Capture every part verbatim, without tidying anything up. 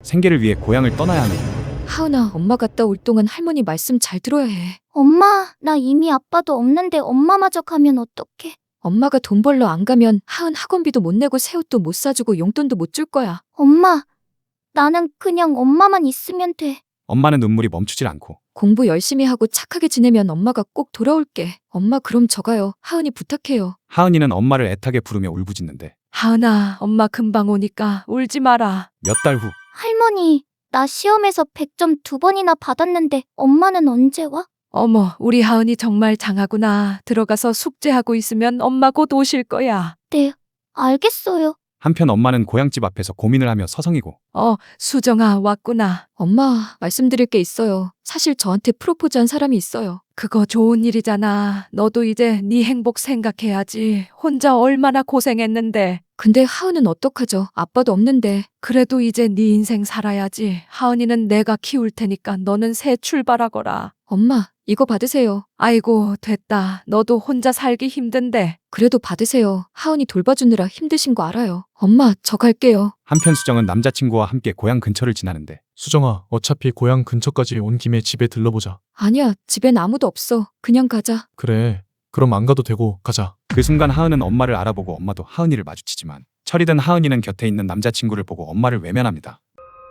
생계를 위해 고향을 떠나야 하는 거야. 하은아, 엄마 갔다 올 동안 할머니 말씀 잘 들어야 해. 엄마, 나 이미 아빠도 없는데 엄마마저 가면 어떡해? 엄마가 돈 벌러 안 가면 하은 학원비도 못 내고 새 옷도 못 사주고 용돈도 못 줄 거야. 엄마, 나는 그냥 엄마만 있으면 돼. 엄마는 눈물이 멈추질 않고 공부 열심히 하고 착하게 지내면 엄마가 꼭 돌아올게. 엄마 그럼 저 가요. 하은이 부탁해요. 하은이는 엄마를 애타게 부르며 울부짖는데 하은아, 엄마 금방 오니까 울지 마라. 몇 달 후 할머니, 나 시험에서 백 점 두 번이나 받았는데 엄마는 언제 와? 어머, 우리 하은이 정말 장하구나. 들어가서 숙제하고 있으면 엄마 곧 오실 거야. 네, 알겠어요. 한편 엄마는 고향집 앞에서 고민을 하며 서성이고 어, 수정아, 왔구나. 엄마, 말씀드릴 게 있어요. 사실 저한테 프로포즈한 사람이 있어요. 그거 좋은 일이잖아. 너도 이제 네 행복 생각해야지. 혼자 얼마나 고생했는데. 근데 하은은 어떡하죠? 아빠도 없는데. 그래도 이제 네 인생 살아야지. 하은이는 내가 키울 테니까 너는 새 출발하거라. 엄마, 이거 받으세요. 아이고, 됐다. 너도 혼자 살기 힘든데. 그래도 받으세요. 하은이 돌봐주느라 힘드신 거 알아요. 엄마, 저 갈게요. 한편 수정은 남자친구와 함께 고향 근처를 지나는데 수정아, 어차피 고향 근처까지 온 김에 집에 들러보자. 아니야, 집엔 아무도 없어. 그냥 가자. 그래, 그럼 안 가도 되고 가자. 그 순간 하은은 엄마를 알아보고 엄마도 하은이를 마주치지만 철이 든 하은이는 곁에 있는 남자친구를 보고 엄마를 외면합니다.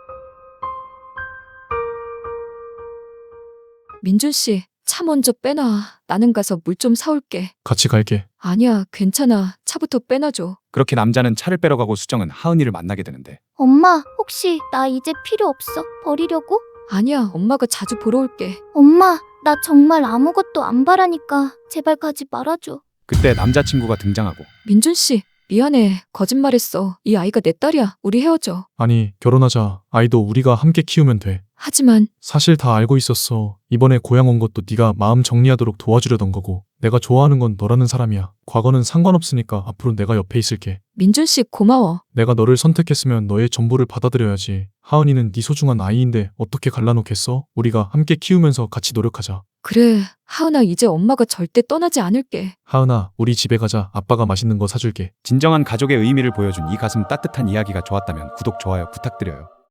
민준 씨, 차 먼저 빼놔. 나는 가서 물 좀 사올게. 같이 갈게. 아니야, 괜찮아. 차부터 빼놔줘. 그렇게 남자는 차를 빼러 가고 수정은 하은이를 만나게 되는데 엄마, 혹시 나 이제 필요 없어? 버리려고? 아니야, 엄마가 자주 보러 올게. 엄마, 나 정말 아무것도 안 바라니까 제발 가지 말아줘. 그때 남자친구가 등장하고 민준 씨, 미안해. 거짓말했어. 이 아이가 내 딸이야. 우리 헤어져. 아니, 결혼하자. 아이도 우리가 함께 키우면 돼. 하지만 사실 다 알고 있었어. 이번에 고향 온 것도 네가 마음 정리하도록 도와주려던 거고 내가 좋아하는 건 너라는 사람이야. 과거는 상관없으니까 앞으로 내가 옆에 있을게. 민준 씨 고마워. 내가 너를 선택했으면 너의 전부를 받아들여야지. 하은이는 네 소중한 아이인데 어떻게 갈라놓겠어? 우리가 함께 키우면서 같이 노력하자. 그래, 하은아, 이제 엄마가 절대 떠나지 않을게. 하은아, 우리 집에 가자. 아빠가 맛있는 거 사줄게. 진정한 가족의 의미를 보여준 이 가슴 따뜻한 이야기가 좋았다면 구독, 좋아요 부탁드려요.